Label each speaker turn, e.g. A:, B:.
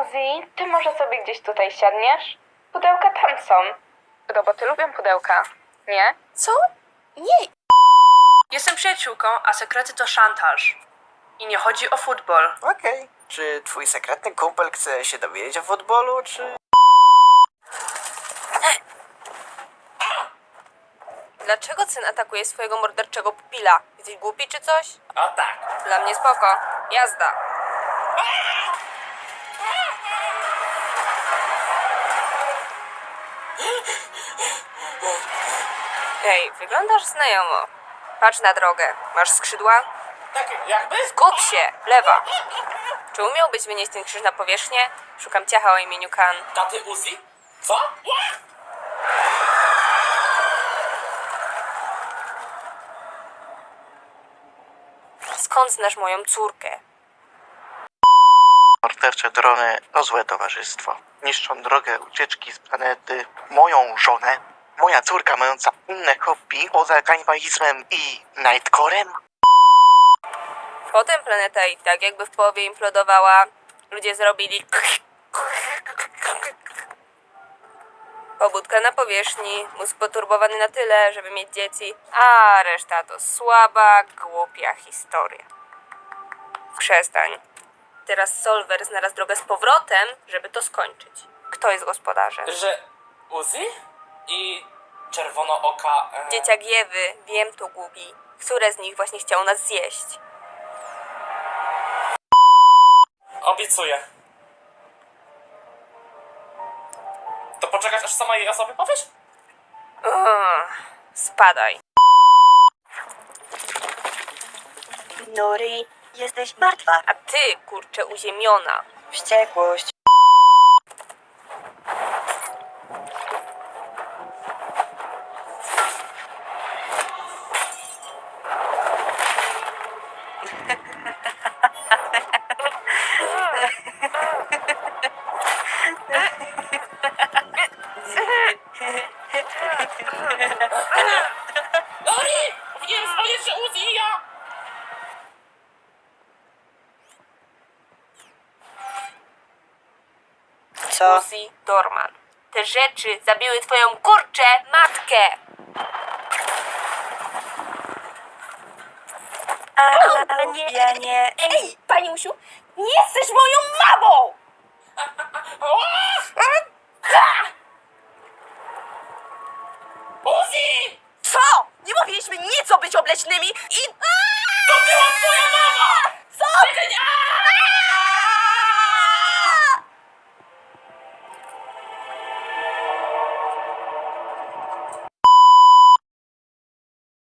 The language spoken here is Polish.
A: Uzi, ty może sobie gdzieś tutaj siadniesz? Pudełka tam są. Roboty lubią pudełka, nie?
B: Co? Nie.
C: Jestem przyjaciółką, a sekrety to szantaż. I nie chodzi o futbol.
D: Okej. Czy twój sekretny kumpel chce się dowiedzieć o futbolu, czy...
B: Dlaczego syn atakuje swojego morderczego pupila? Jesteś głupi czy coś?
E: O tak.
B: Dla mnie spoko. Jazda. Hej, wyglądasz znajomo. Patrz na drogę. Masz skrzydła?
E: Tak jakby?
B: Skup się! Lewa! Czy umiałbyś wynieść ten krzyż na powierzchnię? Szukam ciacha o imieniu Kan.
E: Taty Uzi? Co?
B: Skąd znasz moją córkę?
D: Mordercze drony to złe towarzystwo. Niszczą drogę ucieczki z planety, moją żonę, moja córka mająca inne hobby poza kanibalizmem i nightcorem.
B: Potem planeta i tak jakby w połowie implodowała. Ludzie zrobili... Pobudka na powierzchni, mózg poturbowany na tyle, żeby mieć dzieci, a reszta to słaba, głupia historia. Przestań. Teraz Solver znalazł drogę z powrotem, żeby to skończyć. Kto jest gospodarzem?
E: Że Uzi? I czerwonooka...
B: Dzieciak Ewy, wiem to głupi. Które z nich właśnie chciał nas zjeść?
E: Obiecuję. To poczekać, aż sama jej o sobie powiesz?
B: Spadaj.
F: Nuri, jesteś martwa.
B: A ty, kurczę, uziemiona.
F: Wściekłość.
E: Lori! Powinienem wspomnieć, że Uzi i ja...
F: Co?
B: Uzi Dorman. Te rzeczy zabiły twoją kurczę matkę.
F: A nie, ja nie.
B: Ej, pani Musiu, nie jesteś moją mamą!
E: Uzi!
B: Co? Nie mówiliśmy nic o być obleśnymi i...
E: To była twoja mama!